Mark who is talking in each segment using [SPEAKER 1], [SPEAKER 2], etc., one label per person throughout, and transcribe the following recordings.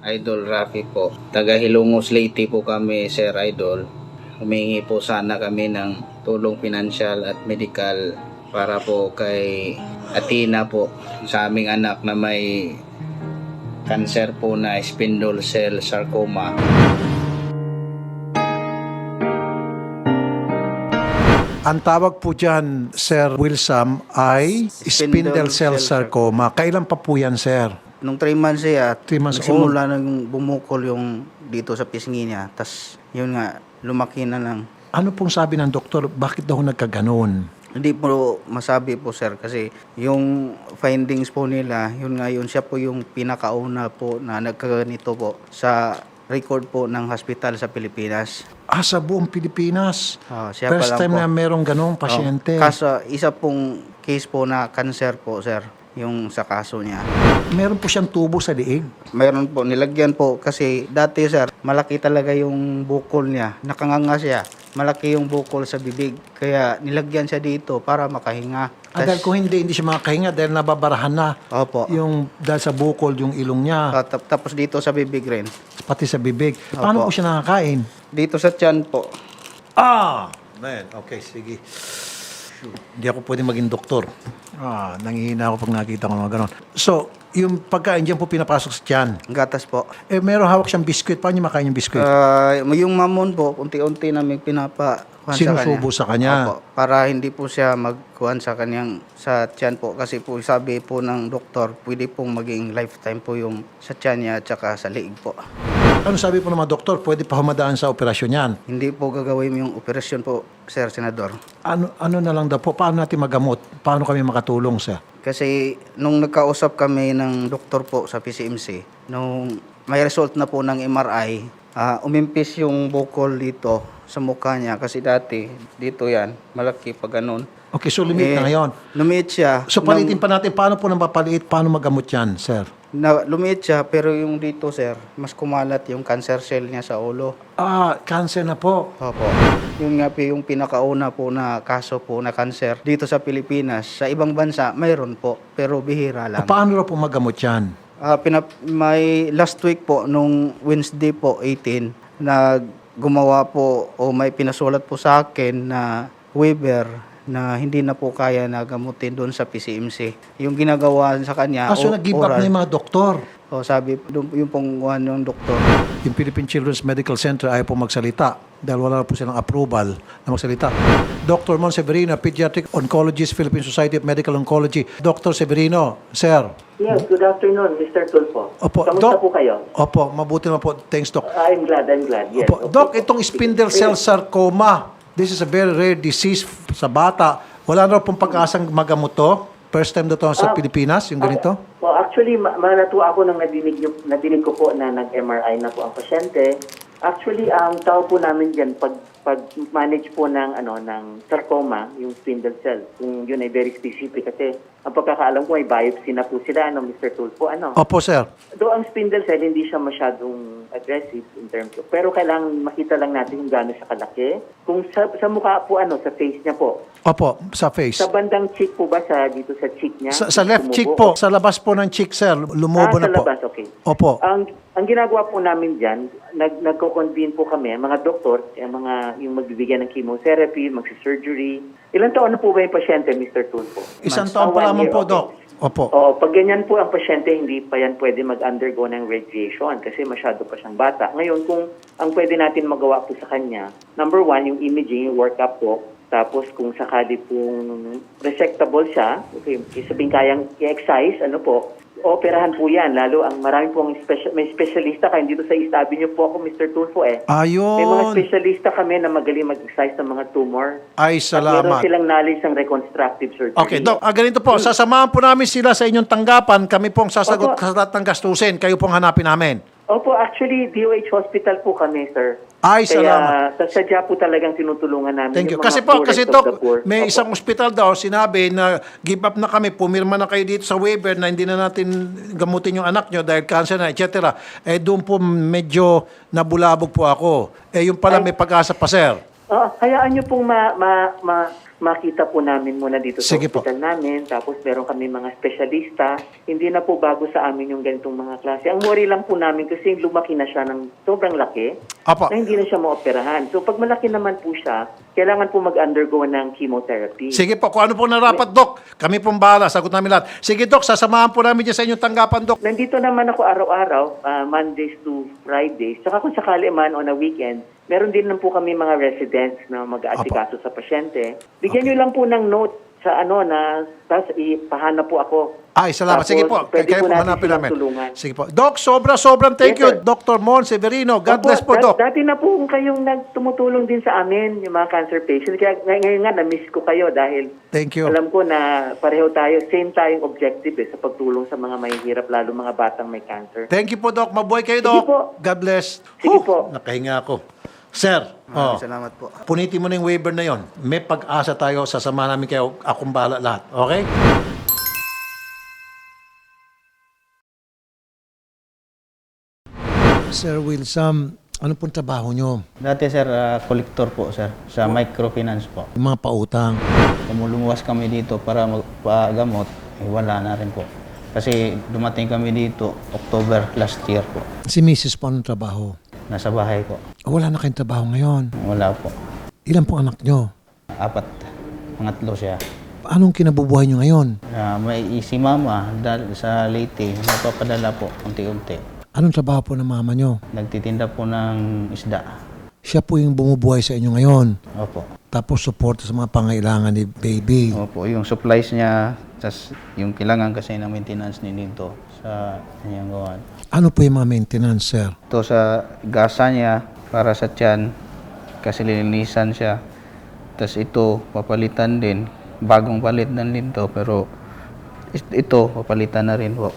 [SPEAKER 1] Idol Rafi po. Taga Hilongos Leyte po kami, Sir Idol. Humingi po sana kami ng tulong pinansyal at medical para po kay Athena po, sa aming anak na may cancer po na spindle cell sarcoma.
[SPEAKER 2] Ang tawag po dyan, Sir Wilson, ay spindle cell sarcoma. Kailan pa po yan, Sir?
[SPEAKER 3] Nung 3 months siya,
[SPEAKER 2] 3 months
[SPEAKER 3] nagsimula nang bumukol yung dito sa pisngi niya. Tas yun nga, lumaki na lang.
[SPEAKER 2] Ano pong sabi ng doktor? Bakit daw nagkaganon?
[SPEAKER 3] Hindi po masabi po sir kasi yung findings po nila, yun siya po yung pinakauna po na nagkaganito po sa record po ng hospital sa Pilipinas.
[SPEAKER 2] Sa buong Pilipinas.
[SPEAKER 3] Siya
[SPEAKER 2] First
[SPEAKER 3] pa lang
[SPEAKER 2] time
[SPEAKER 3] po.
[SPEAKER 2] na merong ganong pasyente.
[SPEAKER 3] Kaso isa pong case po na cancer po sir, yung sa kaso niya.
[SPEAKER 2] Meron po siyang tubo sa liig.
[SPEAKER 3] Mayroon po, nilagyan po kasi dati sir, malaki talaga yung bukol niya. Nakanganga siya. Malaki yung bukol sa bibig. Kaya nilagyan siya dito para makahinga.
[SPEAKER 2] Dahil kung hindi siya makakahinga dahil nababarahan na.
[SPEAKER 3] Opo.
[SPEAKER 2] Yung dahil sa bukol, yung ilong niya,
[SPEAKER 3] Tapos dito sa bibig rin.
[SPEAKER 2] pati sa bibig. Paano
[SPEAKER 3] Opo.
[SPEAKER 2] po siya nakakain?
[SPEAKER 3] Dito sa tiyan po.
[SPEAKER 2] Man, okay, sige. Hindi ako pwede maging doktor. Nangihina ako pag nakita ko mga ganon. So, yung pagkain dyan po pinapasok sa tiyan.
[SPEAKER 3] Gatas po.
[SPEAKER 2] Meron hawak siyang biskwit. Paano niya makain yung biskwit?
[SPEAKER 3] Yung mamon po, unti-unti namin
[SPEAKER 2] Sinusubo sa kanya?
[SPEAKER 3] Opo, para hindi po siya magkuhan sa kanyang sa tiyan po. Kasi po sabi po ng doktor, pwede pong maging lifetime po yung sa tiyan niya at saka sa liig po.
[SPEAKER 2] Ano sabi po ng mga doktor? Pwede pa humadaan sa operasyon yan.
[SPEAKER 3] Hindi po gagawin yung operasyon po, Sir Senador.
[SPEAKER 2] Ano na lang daw po? Paano natin magamot? Paano kami makatulong sa?
[SPEAKER 3] Kasi nung nagkausap kami ng doktor po sa PCMC, nung may result na po ng MRI, umimpis yung bukol dito sa mukha niya. Kasi dati, dito yan, malaki pa ganun.
[SPEAKER 2] Okay, so lumit na ngayon.
[SPEAKER 3] Lumit siya.
[SPEAKER 2] So palitin pa natin, paano po nang mapaliit? Paano magamot yan, sir?
[SPEAKER 3] Lumit siya, pero yung dito, sir, mas kumalat yung cancer cell niya sa ulo.
[SPEAKER 2] Cancer na po.
[SPEAKER 3] Opo. Yun nga po yung pinakauna po na kaso po na cancer dito sa Pilipinas. Sa ibang bansa, mayroon po, pero bihira lang.
[SPEAKER 2] Paano raw po magamot yan?
[SPEAKER 3] May last week po, nung Wednesday po, 18, na gumawa po o may pinasulat po sa akin na waiver na hindi na po kaya na gamutin doon sa PCMC. Yung ginagawa sa kanya,
[SPEAKER 2] So nag-give up na yung mga doktor.
[SPEAKER 3] sabi, yung pong ng doktor.
[SPEAKER 2] Yung Philippine Children's Medical Center ayaw po magsalita dahil wala po silang approval na magsalita. Dr. Mon Severino, Pediatric Oncologist, Philippine Society of Medical Oncology. Dr. Severino, sir.
[SPEAKER 4] Yes, good afternoon, Mr. Tulfo.
[SPEAKER 2] Opo,
[SPEAKER 4] Kamusta
[SPEAKER 2] Doc?
[SPEAKER 4] po kayo?
[SPEAKER 2] Opo, mabuti naman po. Thanks, Doc.
[SPEAKER 4] I'm glad. Yes.
[SPEAKER 2] Opo. Doc, itong spindle cell sarcoma, this is a very rare disease sa bata. Wala na pong pag-asang magamot to? First time na to sa Pilipinas, yung ganito?
[SPEAKER 4] Well, actually, natuwa ako nang nadinig ko po na nag-MRI na po ang pasyente. Actually, ang tawag po namin diyan pag-manage po ng sarcoma, yung spindle cell. Yung yun ay very specific kasi ang pagkakaalam ko ay biopsy na po sila, Mr. Tulfo,
[SPEAKER 2] Opo, sir.
[SPEAKER 4] Though ang spindle cell hindi siya masyadong aggressive in terms of, pero kailangan makita lang natin kung gaano siya kalaki. Kung sa mukha po, sa face niya po.
[SPEAKER 2] Opo, sa face.
[SPEAKER 4] Sa bandang cheek po ba, dito sa cheek niya?
[SPEAKER 2] Sa left
[SPEAKER 4] Tumubo?
[SPEAKER 2] cheek po, sa labas po ng cheek, sir. Lumubo na
[SPEAKER 4] sa
[SPEAKER 2] po.
[SPEAKER 4] labas, okay.
[SPEAKER 2] Opo.
[SPEAKER 4] Ang ginagawa po namin dyan, nagko-convene po kami, mga doktor, yung magbibigyan ng chemotherapy, magsi-surgery. Ilang taon na po ba yung pasyente, Mr. Tulfo?
[SPEAKER 2] Isang taon pa lamang po, Doc. Opo.
[SPEAKER 4] Oo, pag ganyan po ang pasyente, hindi pa yan pwede mag-undergo ng radiation kasi masyado pa siyang bata. Ngayon, kung ang pwede natin magawa po sa kanya, number 1, yung imaging, yung workup po. Tapos kung sakali pong resectable siya, okay, sabihin kayang i-excise, operahan po yan. Lalo ang marami pong may specialista kayo dito sa istabi niyo po ako, Mr. Tulfo
[SPEAKER 2] Ayun.
[SPEAKER 4] May mga specialista kami na magaling mag-excise ng mga tumor.
[SPEAKER 2] Ay,
[SPEAKER 4] At
[SPEAKER 2] salamat.
[SPEAKER 4] meron silang knowledge ng reconstructive surgery.
[SPEAKER 2] Okay, Doc, ganito po. Sasamahan po namin sila sa inyong tanggapan. Kami pong sasagot
[SPEAKER 4] Opo.
[SPEAKER 2] sa lahat ng gastusin. Kayo pong hanapin namin.
[SPEAKER 4] Opo, actually, DOH Hospital po kami, sir.
[SPEAKER 2] Ay, salamat.
[SPEAKER 4] Kaya, sadya po talagang tinutulungan namin.
[SPEAKER 2] Thank you.
[SPEAKER 4] yung mga
[SPEAKER 2] Kasi po,
[SPEAKER 4] poorest
[SPEAKER 2] kasi
[SPEAKER 4] of
[SPEAKER 2] Doc,
[SPEAKER 4] the poor.
[SPEAKER 2] may
[SPEAKER 4] Opo.
[SPEAKER 2] isang ospital daw sinabi na give up na kami, pumirma na kayo dito sa waiver na hindi na natin gamutin yung anak nyo dahil cancer na, etc. Doon po medyo nabulabog po ako. Yung pala may pag-asa pa, sir.
[SPEAKER 4] Hayaan niyo pong makita po namin muna dito sa
[SPEAKER 2] Sige po.
[SPEAKER 4] hospital namin. Tapos meron kami mga espesyalista. Hindi na po bago sa amin yung ganitong mga klase. Ang worry lang po namin kasi lumaki na siya ng sobrang laki
[SPEAKER 2] Apo.
[SPEAKER 4] na hindi na siya maoperahan. So pag malaki naman po siya, kailangan po mag-undergo ng chemotherapy.
[SPEAKER 2] Sige po, kung ano po narapat, Doc. Kami pong bahala, sagot namin lahat. Sige, Doc, sasamahan po namin dyan sa inyong tanggapan, Doc.
[SPEAKER 4] Nandito naman ako araw-araw, Mondays to Fridays. Saka kung sakali man on a weekend, meron din lang po kami mga residents na mag-aasikaso sa pasyente. Bigyan nyo lang po ng note sa tapos ipahanap po ako.
[SPEAKER 2] Ay, salamat.
[SPEAKER 4] Tapos,
[SPEAKER 2] Sige po,
[SPEAKER 4] pwede
[SPEAKER 2] kayo
[SPEAKER 4] po
[SPEAKER 2] po
[SPEAKER 4] natin
[SPEAKER 2] hanapin
[SPEAKER 4] silang
[SPEAKER 2] namin.
[SPEAKER 4] tulungan.
[SPEAKER 2] Sige po. Doc, sobrang thank
[SPEAKER 4] Yes,
[SPEAKER 2] you,
[SPEAKER 4] sir.
[SPEAKER 2] Dr. Mon Severino. God bless po, Doc.
[SPEAKER 4] Dati na po kayong tumutulong din sa amin, yung mga cancer patients. Kaya ngayon nga, na-miss ko kayo dahil
[SPEAKER 2] Thank you.
[SPEAKER 4] alam ko na pareho tayo, same tayong objective sa pagtulong sa mga mahihirap, lalo mga batang may cancer.
[SPEAKER 2] Thank you po, Doc. Mabuhay kayo,
[SPEAKER 4] Sige
[SPEAKER 2] Doc.
[SPEAKER 4] po.
[SPEAKER 2] God bless.
[SPEAKER 4] Sige po.
[SPEAKER 2] Nakahinga ako. Sir,
[SPEAKER 3] Salamat po.
[SPEAKER 2] punitin mo na yung waiver na yon. May pag-asa tayo, sasama namin kayo, akong bahala lahat. Okay? Sir Wilson, ano pong trabaho nyo?
[SPEAKER 5] Dati sir, collector po sir, sa microfinance po.
[SPEAKER 2] Yung mga pautang.
[SPEAKER 5] Lumuluwas kami dito para magpagamot, wala na rin po. Kasi dumating kami dito October last year po.
[SPEAKER 2] Si Mrs. po anong trabaho?
[SPEAKER 5] Nasa bahay po.
[SPEAKER 2] Wala na kayong trabaho ngayon.
[SPEAKER 5] Wala po.
[SPEAKER 2] Ilan pong anak nyo?
[SPEAKER 5] 4, pangatlo siya.
[SPEAKER 2] Anong kinabubuhay nyo ngayon?
[SPEAKER 5] May si mama sa Leyte, napapadala po unti-unti.
[SPEAKER 2] Anong trabaho po ng mama nyo?
[SPEAKER 5] Nagtitinda po ng isda.
[SPEAKER 2] Siya po yung bumubuhay sa inyo ngayon.
[SPEAKER 5] Opo.
[SPEAKER 2] Tapos support sa mga pangailangan ni baby.
[SPEAKER 5] Opo, yung supplies niya, tas yung kailangan kasi ng maintenance ni dito sa kanyang gawan.
[SPEAKER 2] Ano po yung mga maintenance, sir?
[SPEAKER 5] Ito sa gasa niya para sa tiyan kasi lilinisan siya. Tapos ito papalitan din. Bagong palit na din to pero ito papalitan na rin po.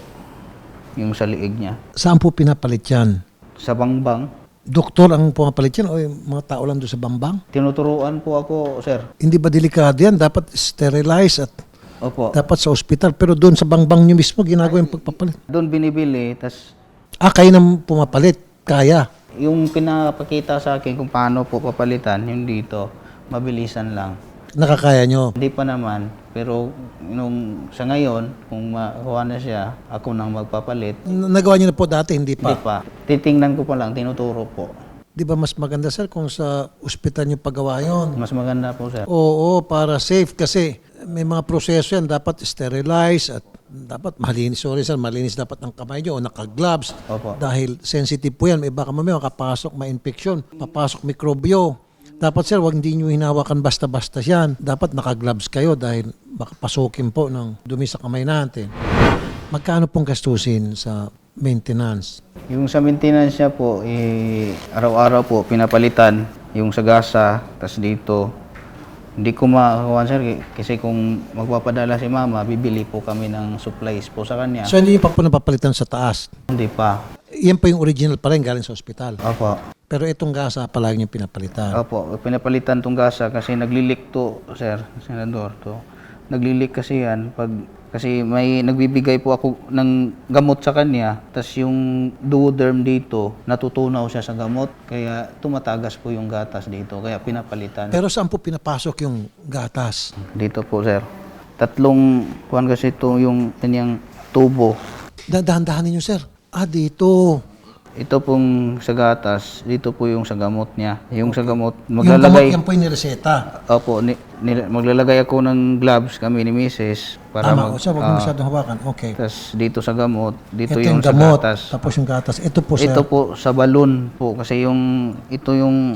[SPEAKER 5] Yung sa liig niya.
[SPEAKER 2] Saan po pinapalit yan?
[SPEAKER 5] Sa bangbang,
[SPEAKER 2] Doktor ang pumapalit yan o yung mga tao lang doon sa bambang?
[SPEAKER 5] tinuturuan po ako, sir.
[SPEAKER 2] Hindi ba delikado yan? Dapat sterilize at
[SPEAKER 5] Opo.
[SPEAKER 2] dapat sa ospital. Pero doon sa bangbang nyo mismo, ginagawa yung pagpapalit.
[SPEAKER 5] Doon binibili, tas
[SPEAKER 2] Kayo nang pumapalit. Kaya.
[SPEAKER 5] yung pinapakita sa akin kung paano po papalitan, yung dito, mabilisan lang.
[SPEAKER 2] Nakakaya nyo.
[SPEAKER 5] Hindi pa naman, pero nung sa ngayon, kung makuha na siya, ako nang magpapalit.
[SPEAKER 2] Nagawa nyo na po dati, hindi
[SPEAKER 5] Hindi
[SPEAKER 2] pa.
[SPEAKER 5] pa. Titingnan ko pa lang, tinuturo po.
[SPEAKER 2] Di ba mas maganda, sir, kung sa ospital nyo pagawa yon?
[SPEAKER 5] Mas maganda po, sir.
[SPEAKER 2] Oo, para safe kasi may mga proseso yan. Dapat sterilize at dapat malinis. Sorry, sir, malinis dapat ang kamay nyo o naka-gloves.
[SPEAKER 5] Opo.
[SPEAKER 2] Dahil sensitive po yan. May baka mamaya makapasok, ma-infection, papasok mikrobyo. Dapat, sir, wag hindi nyo hinawakan basta-basta yan. Dapat naka-gloves kayo dahil baka pasukin po ng dumi sa kamay natin. Magkano pong gastusin sa maintenance?
[SPEAKER 5] Yung sa maintenance niya po, araw-araw po pinapalitan yung sa gasa, tas dito. Hindi ko makakuha, sir, kasi kung magpapadala si mama, bibili po kami ng supplies po sa kanya.
[SPEAKER 2] So, hindi nyo pa po napapalitan sa taas.
[SPEAKER 5] Hindi pa.
[SPEAKER 2] Yan po yung original pa rin galing sa ospital.
[SPEAKER 5] Opo.
[SPEAKER 2] Pero itong gasa palagi yung pinapalitan.
[SPEAKER 5] Opo, pinapalitan tong gasa kasi naglilik to, sir, senador to. Naglilik kasi yan kasi may nagbibigay po ako ng gamot sa kanya, tas yung duoderm dito, natutunaw siya sa gamot, kaya tumatagas po yung gatas dito, kaya pinapalitan.
[SPEAKER 2] Pero saan po pinapasok yung gatas?
[SPEAKER 5] Dito po, sir. 3 kuwan kasi ito yung kanyang tubo.
[SPEAKER 2] Dahan-dahan ninyo, sir. Dito.
[SPEAKER 5] Ito pong sa gatas, dito po yung sa gamot niya. Yung sa gamot,
[SPEAKER 2] Yung gamot,
[SPEAKER 5] maglalagay...
[SPEAKER 2] yan po yung nireseta.
[SPEAKER 5] Opo, maglalagay ako ng gloves kami ni Mrs. para
[SPEAKER 2] Tama, sir, huwag mo masyadong hawakan. Okay.
[SPEAKER 5] tas dito sa gamot, dito
[SPEAKER 2] Ito
[SPEAKER 5] yung
[SPEAKER 2] yung
[SPEAKER 5] sa
[SPEAKER 2] gamot,
[SPEAKER 5] gatas.
[SPEAKER 2] tapos yung gatas. Ito po, sir.
[SPEAKER 5] Ito po sa balon po kasi ito yung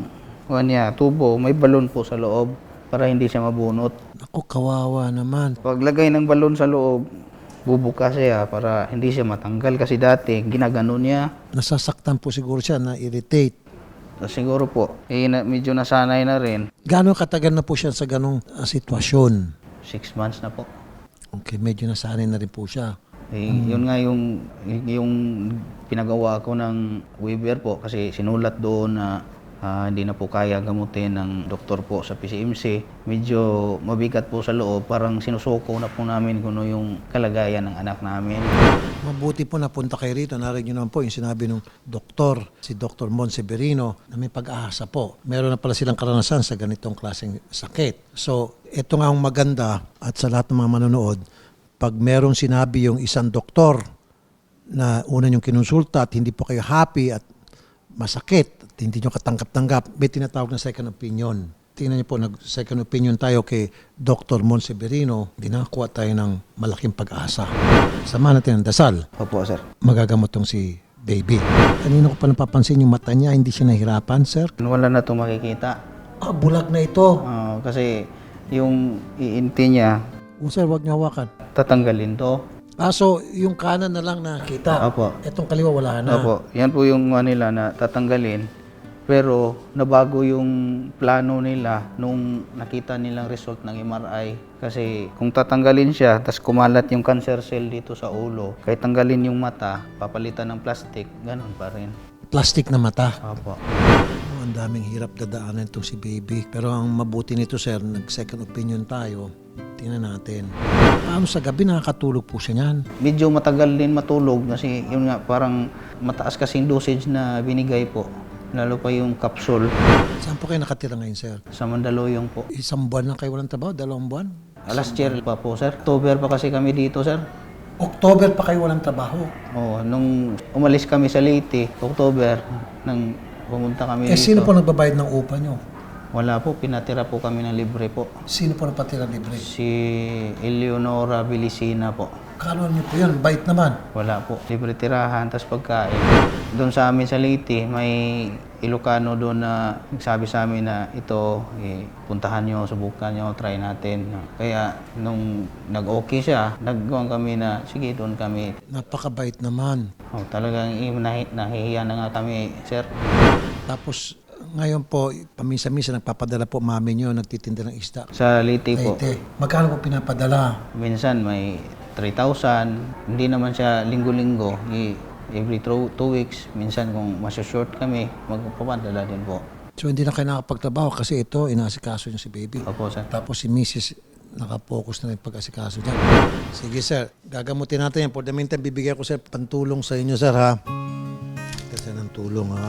[SPEAKER 5] tubo, may balon po sa loob para hindi siya mabunot.
[SPEAKER 2] Ako, kawawa naman.
[SPEAKER 5] Paglagay ng balon sa loob, bubuka siya para hindi siya matanggal kasi dati ginagano niya.
[SPEAKER 2] Nasasaktan po siguro siya, na-irritate.
[SPEAKER 5] Siguro po, medyo nasanay na rin.
[SPEAKER 2] Gano'ng katagal na po siya sa ganong sitwasyon?
[SPEAKER 5] 6 months na po.
[SPEAKER 2] Okay, medyo nasanay na rin po siya.
[SPEAKER 5] Yun nga yung pinagawa ko ng waiver po kasi sinulat doon na Hindi na po kaya gamutin ng doktor po sa PCMC. Medyo mabigat po sa loob, parang sinusuko na po namin kung ano yung kalagayan ng anak namin.
[SPEAKER 2] Mabuti po napunta kayo rito. Narinig nyo naman po yung sinabi ng doktor, si Dr. Mon Severino, na may pag-asa po. Meron na pala silang karanasan sa ganitong klaseng sakit. So, ito nga ang maganda at sa lahat ng mga manonood, pag merong sinabi yung isang doktor na una yung kinonsulta at hindi po kayo happy at masakit, at hindi nyo katanggap-tanggap, may tinatawag na second opinion. Tingnan niyo po, nag-second opinion tayo kay Dr. Mon Severino, hindi nakakuha tayo ng malaking pag-asa. Samahan natin ang dasal.
[SPEAKER 5] Opo, sir.
[SPEAKER 2] Magagamot tong si baby. Kanina ko pa napapansin yung mata niya, hindi siya nahirapan, sir.
[SPEAKER 5] Wala na itong makikita.
[SPEAKER 2] Bulag na ito.
[SPEAKER 5] Kasi yung iinti niya,
[SPEAKER 2] Sir, wag niyo hawakan.
[SPEAKER 5] tatanggalin to.
[SPEAKER 2] So yung kanan na lang nakita.
[SPEAKER 5] Opo.
[SPEAKER 2] Itong kaliwa wala na.
[SPEAKER 5] Opo, yan po yung nila na tatanggalin. Pero nabago yung plano nila nung nakita nilang result ng MRI. Kasi kung tatanggalin siya, tas kumalat yung cancer cell dito sa ulo, kahit tanggalin yung mata, papalitan ng plastic, ganun pa rin.
[SPEAKER 2] Plastic na mata.
[SPEAKER 5] Opo.
[SPEAKER 2] Ang daming hirap dadaanan itong si baby. Pero ang mabuti nito, sir, nag-second opinion tayo. Tingnan natin. Paano sa gabi nakakatulog po siya niyan?
[SPEAKER 5] Medyo matagal din matulog kasi yun nga, parang mataas kasing dosage na binigay po. Lalo pa yung capsule.
[SPEAKER 2] Saan po kayo nakatira ngayon, sir?
[SPEAKER 5] Sa Mandaluyong po.
[SPEAKER 2] Isang buwan na kayo walang trabaho? 2 buwan?
[SPEAKER 5] Last year pa po, sir. October pa kasi kami dito, sir.
[SPEAKER 2] October pa kayo walang trabaho?
[SPEAKER 5] Oo, nung umalis kami sa Leyte, October, nang pumunta kami dito.
[SPEAKER 2] Sino po nagbabayad ng upa nyo?
[SPEAKER 5] Wala po, pinatira po kami ng libre po.
[SPEAKER 2] Sino po napatira libre?
[SPEAKER 5] Si Eleonora Belicina po.
[SPEAKER 2] Kano nyo po yun? Bait naman.
[SPEAKER 5] Wala po, libre tirahan, tas pagkain. Doon sa amin sa Leyte, may Ilocano doon na nagsabi sa amin na ito, puntahan nyo, subukan nyo, try natin. Kaya nung nag-okay siya, nagawang kami na, sige, doon kami.
[SPEAKER 2] Napakabait naman.
[SPEAKER 5] Talagang nahihiya na nga kami, sir.
[SPEAKER 2] Tapos ngayon po, paminsan-minsan nagpapadala po mami nyo, nagtitinda ng isda.
[SPEAKER 5] Sa Leyte po,
[SPEAKER 2] Leyte. Magkano po pinapadala?
[SPEAKER 5] minsan may 3,000. Hindi naman siya linggo-linggo. Every 2 weeks, minsan kung short kami, magpapadala din po.
[SPEAKER 2] So hindi na kayo nakapagtrabaho kasi ito, inaasikaso niyo si baby.
[SPEAKER 5] Opo, sir.
[SPEAKER 2] Tapos si Mrs. nakapokus na rin pag-asikaso dyan. Sige sir, gagamutin natin yan. For the meantime, bibigyan ko sir pantulong sa inyo sir ha. Kasi ng tulong ha.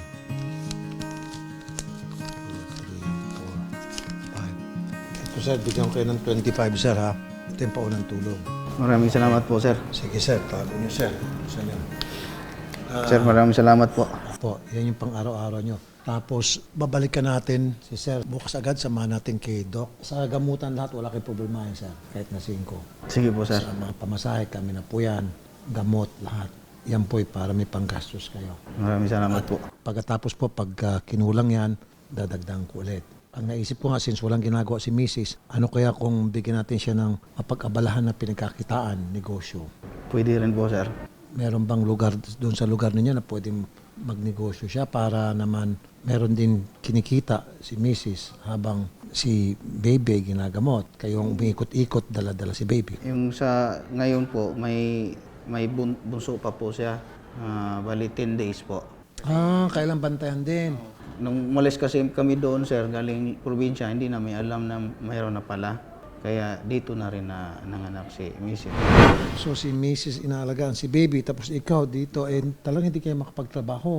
[SPEAKER 2] 2, 3, 4, 5. Ito sir, bigyan ko kayo ng 25 sir ha. Ito yung paunang tulong.
[SPEAKER 5] Maraming salamat po, sir.
[SPEAKER 2] Sige sir, tago niyo sir. Saan yan?
[SPEAKER 5] Sir, maraming salamat po.
[SPEAKER 2] Po, yan yung pang-araw-araw nyo. Tapos, babalikan natin si Sir. Bukas agad, samahan natin kay Doc. Sa gamutan lahat, wala kayong problema yan, Sir. Kahit na 5.
[SPEAKER 5] Sige po, sir.
[SPEAKER 2] Sa mga pamasahe, kami na po yan. Gamot, lahat. Yan po'y para may panggastos kayo.
[SPEAKER 5] Maraming salamat po.
[SPEAKER 2] Pagkatapos po, pag kinulang yan, dadagdagan ko ulit. Ang naisip ko nga, since walang ginagawa si Mrs., ano kaya kung bigyan natin siya ng mapag-abalahan na pinagkakitaan, negosyo?
[SPEAKER 5] Pwede rin po, sir.
[SPEAKER 2] Meron bang lugar doon sa lugar ninyo na pwedeng magnegosyo siya para naman meron din kinikita si Mrs. habang si baby ginagamot. Kayong umiikot-ikot, dala-dala si baby.
[SPEAKER 5] Yung sa ngayon po, may bunso pa po siya. Bali 10 days po.
[SPEAKER 2] Kailan bantayan din?
[SPEAKER 5] Nung umalis kasi kami doon, sir, galing probinsya, hindi namin alam na mayroon na pala. Kaya dito na rin na nanganak si Mrs.
[SPEAKER 2] So si Mrs. inaalagaan si baby tapos ikaw dito talagang hindi kayo makapagtrabaho.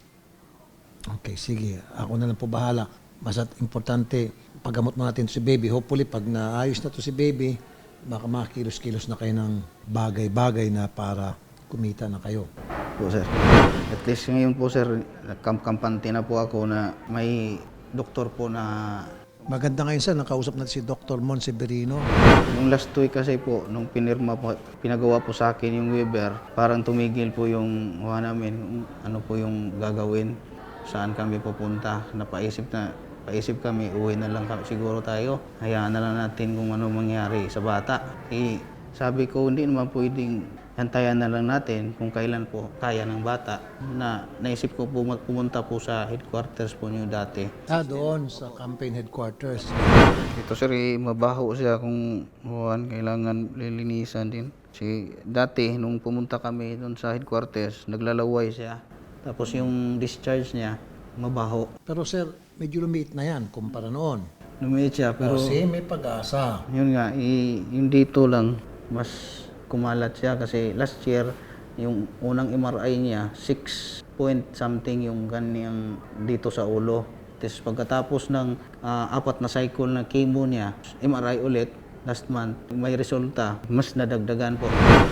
[SPEAKER 2] Okay, sige. Ako na lang po bahala. Basta importante, paggamot mo natin si baby. Hopefully, pag naayos na to si baby, baka makakilos-kilos na kayo ng bagay-bagay na para kumita na kayo.
[SPEAKER 5] Po, sir. At least ngayon po, sir, kampante na po ako na may doktor po na
[SPEAKER 2] Maganda ngayon sir, nakausap natin si Dr. Mon Severino.
[SPEAKER 5] yung last week kasi po, nung pinagawa po sa akin yung Weber, parang tumigil po yung namin, ano po yung gagawin, saan kami pupunta. Paisip kami, uwi na lang kami, siguro tayo. Hayaan na lang natin kung ano mangyari sa bata. Sabi ko, hindi naman pwedeng hantayan na lang natin kung kailan po kaya ng bata. Naisip ko po pumunta po sa headquarters po niyo dati.
[SPEAKER 2] Doon sa campaign headquarters.
[SPEAKER 5] Ito sir, mabaho siya kung kailangan lilinisan din. Dati, nung pumunta kami doon sa headquarters, naglalaway siya. Tapos yung discharge niya, mabaho.
[SPEAKER 2] Pero sir, medyo lumiit na yan kumpara noon.
[SPEAKER 5] Lumiit siya, pero
[SPEAKER 2] Kasi may pag-asa.
[SPEAKER 5] yun nga, yung dito lang, mas kumalat siya kasi last year, yung unang MRI niya, 6 point something yung kanyang dito sa ulo. Tapos pagkatapos ng 4 na cycle na chemo niya, MRI ulit, last month, may resulta, mas nadagdagan po.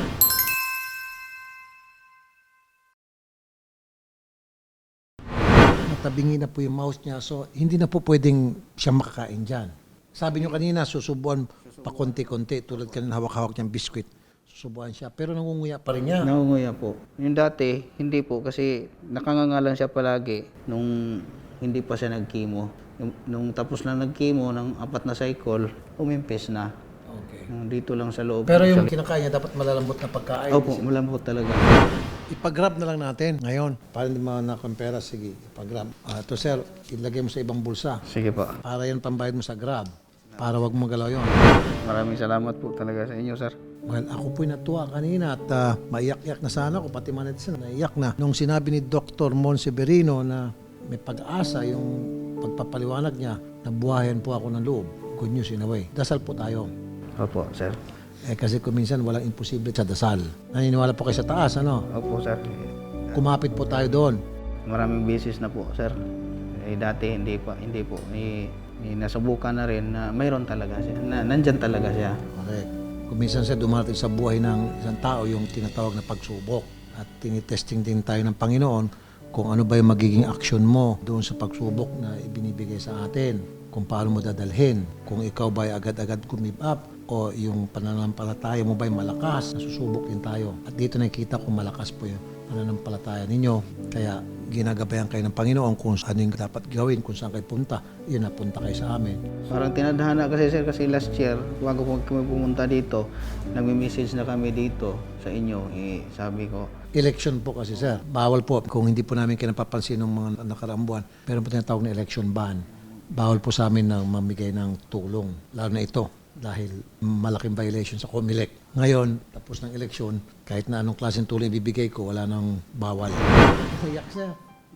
[SPEAKER 2] Natabingi na po yung mouse niya, so hindi na po pwedeng siya makakain dyan. Sabi niyo kanina, susubuan pa konti-konti, tulad kanina hawak-hawak niyang biskwit. Susubuan siya, pero nangunguya pa rin niya.
[SPEAKER 5] Nangunguya po. Yung dati, hindi po kasi nakangangalan siya palagi nung hindi pa siya nag-chemo. Nung tapos na nag-chemo ng 4 na cycle, umimpis na.
[SPEAKER 2] Okay.
[SPEAKER 5] Dito lang sa loob.
[SPEAKER 2] Pero yung kinakain niya, dapat malalambot na pagkain.
[SPEAKER 5] Opo, malambot talaga.
[SPEAKER 2] Ipag-grab na lang natin ngayon. Para hindi manakon pera, sige, ipag-grab. Ito sir, ilagay mo sa ibang bulsa.
[SPEAKER 5] Sige po.
[SPEAKER 2] Para yan pambayad mo sa grab. Para wag mo galaw yun.
[SPEAKER 5] Maraming salamat po talaga sa inyo, sir.
[SPEAKER 2] Well, ako po'y natuwa kanina at maiyak-iyak na sana ako, pati mga netizen naiyak na. Nung sinabi ni Dr. Monseverino na may pag-asa yung pagpapaliwanag niya, nabuhayan po ako ng loob. Good news in a way. Dasal po tayo.
[SPEAKER 5] Opo, sir.
[SPEAKER 2] Kasi kung minsan walang imposible sa dasal. Naniniwala po kayo sa taas, ano?
[SPEAKER 5] Opo, sir.
[SPEAKER 2] Kumapit po tayo doon.
[SPEAKER 5] Maraming beses na po, sir. Dati hindi po. Nasubukan na rin na mayroon talaga siya. Nandyan talaga siya.
[SPEAKER 2] Correct. Kung minsan siya dumarating sa buhay ng isang tao yung tinatawag na pagsubok. At tinitesting din tayo ng Panginoon kung ano ba yung magiging aksyon mo doon sa pagsubok na ibinibigay sa atin. Kung paano mo dadalhin. Kung ikaw ba ay agad-agad give up o yung pananampalataya mo ba ay malakas, nasusubok din tayo. At dito nakikita kung malakas po yung pananampalataya ninyo. Kaya ginagabayan kayo ng Panginoon kung saan yung dapat gawin, kung saan kayo punta. Yun, napunta kayo sa amin.
[SPEAKER 5] Parang tinadhana kasi, sir, kasi last year, bago po kami pumunta dito, nagme-message na kami dito sa inyo. Sabi ko,
[SPEAKER 2] Election po kasi sir. Bawal po kung hindi po namin kayo napapansin ng mga nakaraang buwan. Pero po tinatawag na election ban. Bawal po sa amin na mamigay ng tulong. Lalo na ito dahil malaking violation sa COMELEC. Ngayon, tapos ng eleksyon, kahit na anong klaseng tulong ibibigay ko, wala nang bawal. Iyak sir.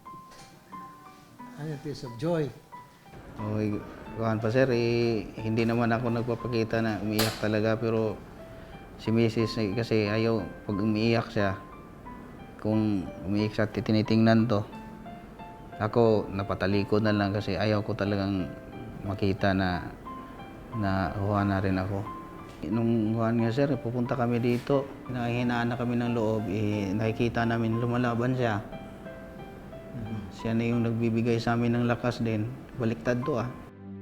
[SPEAKER 2] Ano yung tears of joy?
[SPEAKER 5] okay, kuhan pa, sir, hindi naman ako nagpapakita na umiiyak talaga, pero si Mrs. kasi ayaw, pag umiiyak siya, kung umiiyak siya, tinitingnan to. Ako, napatalikod na lang kasi ayaw ko talagang makita na huha na rin ako. Nung huwan nga, sir, pupunta kami dito, nakahinaan na kami ng loob, nakikita namin lumalaban siya. Siya na yung nagbibigay sa amin ng lakas din. Baliktad to ah.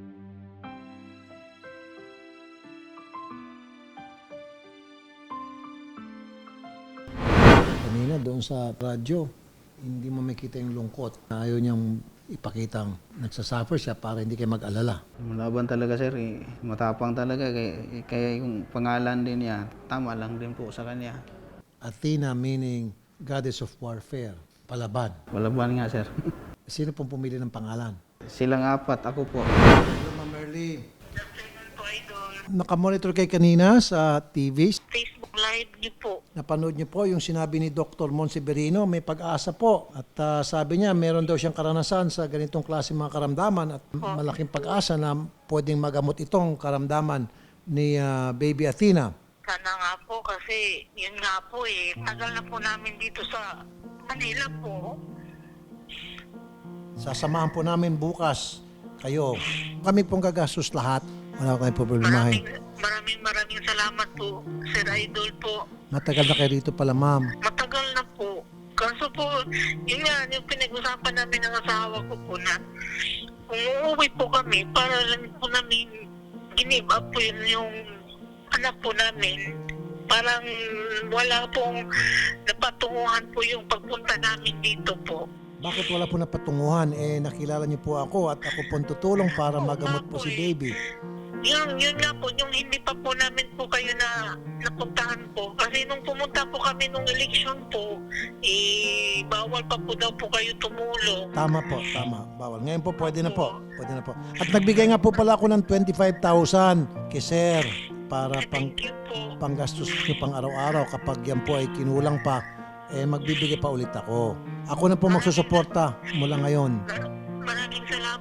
[SPEAKER 2] Kanina doon sa radyo, hindi mo makita yung lungkot. Ayaw niyang ipakitang nagsasuffer siya para hindi kayo mag-alala.
[SPEAKER 5] Malaban talaga, sir. Matapang talaga. Kaya yung pangalan din niya, tama lang din po sa kanya.
[SPEAKER 2] Athena meaning goddess of warfare, palaban.
[SPEAKER 5] Malaban nga, sir.
[SPEAKER 2] Sino pong pumili ng pangalan?
[SPEAKER 5] Silang apat, ako po.
[SPEAKER 2] Hello, Ma'am Merly. Nakamonitor kayo kanina sa TV.
[SPEAKER 6] Facebook Live niyo po.
[SPEAKER 2] Napanood niyo po yung sinabi ni Dr. Monseverino, may pag-asa po. At sabi niya, meron daw siyang karanasan sa ganitong klase mga karamdaman at malaking pag-asa na pwedeng magamot itong karamdaman ni Baby Athena.
[SPEAKER 6] Sana nga po kasi yun nga po tagal na po namin dito sa Manila po.
[SPEAKER 2] Sasamahan po namin bukas kayo. Kami pong gagastos lahat. Wala kayong problemahin.
[SPEAKER 6] Maraming salamat po, Sir Idol po.
[SPEAKER 2] Matagal na kayo rito pala, ma'am.
[SPEAKER 6] Matagal na po. Kaso po, yun nga, yung pinag-usapan namin ng asawa ko po na kung uuwi po kami, para lang po namin give up po yung anak po namin. Parang wala pong napatunguhan po yung pagpunta namin dito po.
[SPEAKER 2] Bakit wala po napatunguhan? Nakilala niyo po ako at ako po tutulong para magamot po si baby.
[SPEAKER 6] Yun nga po, yung hindi pa po namin po kayo na napuntahan po. Kasi nung pumunta po kami nung election po, bawal pa po daw po kayo tumulong.
[SPEAKER 2] Tama po, tama. Bawal. Ngayon po, pwede na po. Pwede na po. At nagbigay nga po pala ako ng 25,000 kay Sir para
[SPEAKER 6] Thank you po.
[SPEAKER 2] panggastos niyo pang araw-araw. Kapag yan po ay kinulang pa, magbibigay pa ulit ako. Ako na po magsusuporta mula ngayon.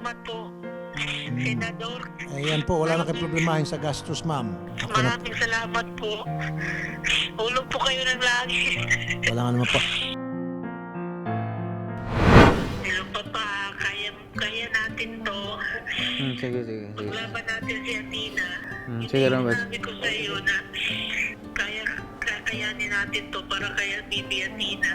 [SPEAKER 6] salamat po, Senador.
[SPEAKER 2] Ayan po, wala na kayong problemahin sa gastos, ma'am. Ako na,
[SPEAKER 6] Maraming salamat po. Ulog po kayo ng langit.
[SPEAKER 2] wala nga naman po.
[SPEAKER 6] Hello, Papa. Kaya natin to.
[SPEAKER 5] Sige.
[SPEAKER 6] Paglaban natin si Athena.
[SPEAKER 5] Sige, Robert.
[SPEAKER 6] Sinabi ko sa iyo na kakayanin natin to para kaya Bibi Athena.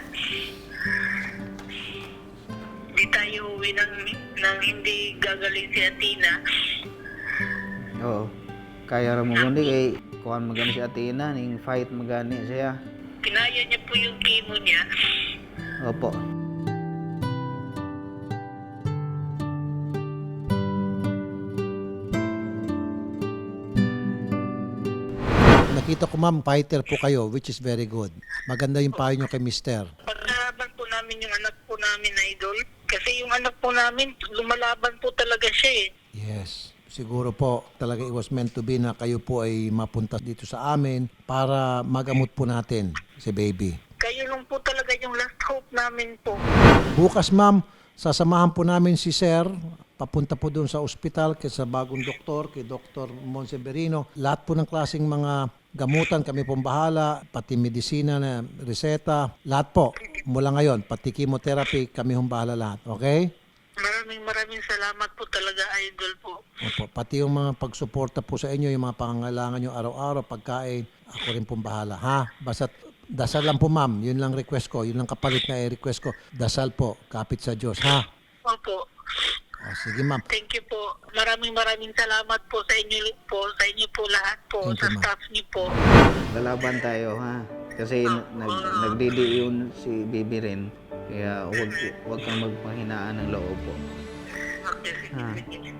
[SPEAKER 6] Hindi tayo uwi ng hindi gagaling si Athena.
[SPEAKER 5] Oo. Kaya ra mo kundi kay kuan magani si Athena ning fight magani siya.
[SPEAKER 6] Kinaya niya po yung chemo niya.
[SPEAKER 5] Opo.
[SPEAKER 2] Nakita ko, ma'am, fighter po kayo, which is very good. Maganda yung payo nyo kay mister.
[SPEAKER 6] Paglalaban po namin yung anak po namin, Idol. Kasi yung anak po namin, lumalaban po talaga siya eh.
[SPEAKER 2] Yes. Siguro po, talaga it was meant to be na kayo po ay mapunta dito sa amin para magamot po natin si baby.
[SPEAKER 6] Kayo lang po talaga yung last hope namin po.
[SPEAKER 2] Bukas, ma'am, sasamahan po namin si Sir. Papunta po doon sa ospital kay sa bagong doktor, kay Dr. Monseverino. Lahat po ng klaseng mga gamutan, kami pong bahala, pati medisina na reseta, lahat po. Mula ngayon, pati chemotherapy, kami pong bahala lahat. Okay?
[SPEAKER 6] Maraming salamat po talaga, Idol po.
[SPEAKER 2] Opo, pati yung mga pagsuporta po sa inyo, yung mga pangangailangan nyo araw-araw, pagkain, ako rin pong bahala. Ha? Basta dasal lang po, ma'am. Yun lang request ko. Yun lang kapalit na request ko. Dasal po. Kapit sa Diyos. Ha?
[SPEAKER 6] Opo.
[SPEAKER 2] Sige, ma'am.
[SPEAKER 6] Thank you po. Maraming salamat po sa inyo po lahat po,
[SPEAKER 2] Thank
[SPEAKER 6] sa
[SPEAKER 2] you, ma'am.
[SPEAKER 6] staff niyo po.
[SPEAKER 5] Lalaban tayo ha. Kasi nagdidi yun si Bibi rin. Kaya wag kang magpahinaan ng loob po.
[SPEAKER 6] Okay, sige,
[SPEAKER 5] Ah.
[SPEAKER 6] sige.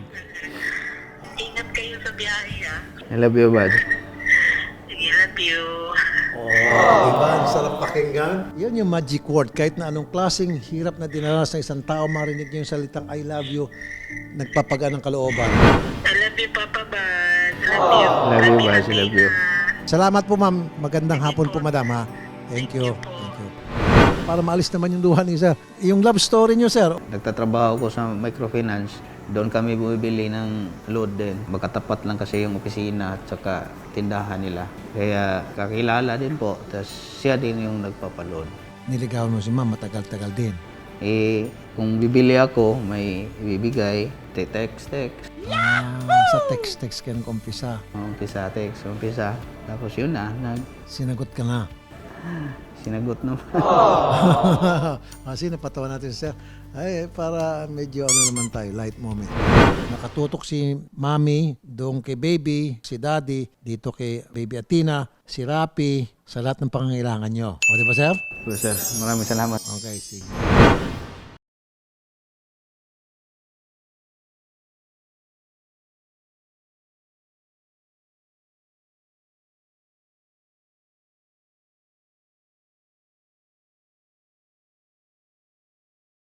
[SPEAKER 6] Ingat kayo sa biyahe, ha.
[SPEAKER 5] I love you, bud.
[SPEAKER 6] Sige, love you.
[SPEAKER 2] Diba? Ang sarap pakinggan. Yan yung magic word. Kahit na anong klaseng hirap na dinaras ng isang tao, marinig niyo yung salitang I love you, nagpapagaan ng kalooban.
[SPEAKER 6] I love you, Papa Bad. Love you.
[SPEAKER 5] Love you, Bad. I love you.
[SPEAKER 2] Salamat po, ma'am. Magandang hapon po, madam, ha? Thank you. Thank you. Para maalis naman yung luha ni sir. Yung love story niyo, sir.
[SPEAKER 5] Nagtatrabaho ko sa microfinance. Doon kami bumibili ng load din. Magkatapat lang kasi yung opisina at saka tindahan nila. Kaya kakilala din po. Tapos siya din yung nagpapaload.
[SPEAKER 2] Niligawan mo si ma'am, matagal-tagal din.
[SPEAKER 5] Eh, kung bibili ako, may ibibigay. Text.
[SPEAKER 2] Sa text-text kayo umpisa.
[SPEAKER 5] Umpisa. Tapos yun na,
[SPEAKER 2] Sinagot ka na.
[SPEAKER 5] sinagot naman.
[SPEAKER 2] Kasi napatawa natin sir. Ay, para medyo naman tayo, light moment. Nakatutok si Mami, doon kay Baby, si Daddy, dito kay Baby Athena, si Rapi, sa lahat ng pangangailangan nyo. O, di ba, sir?
[SPEAKER 5] Sir, maraming salamat.
[SPEAKER 2] Okay, sige.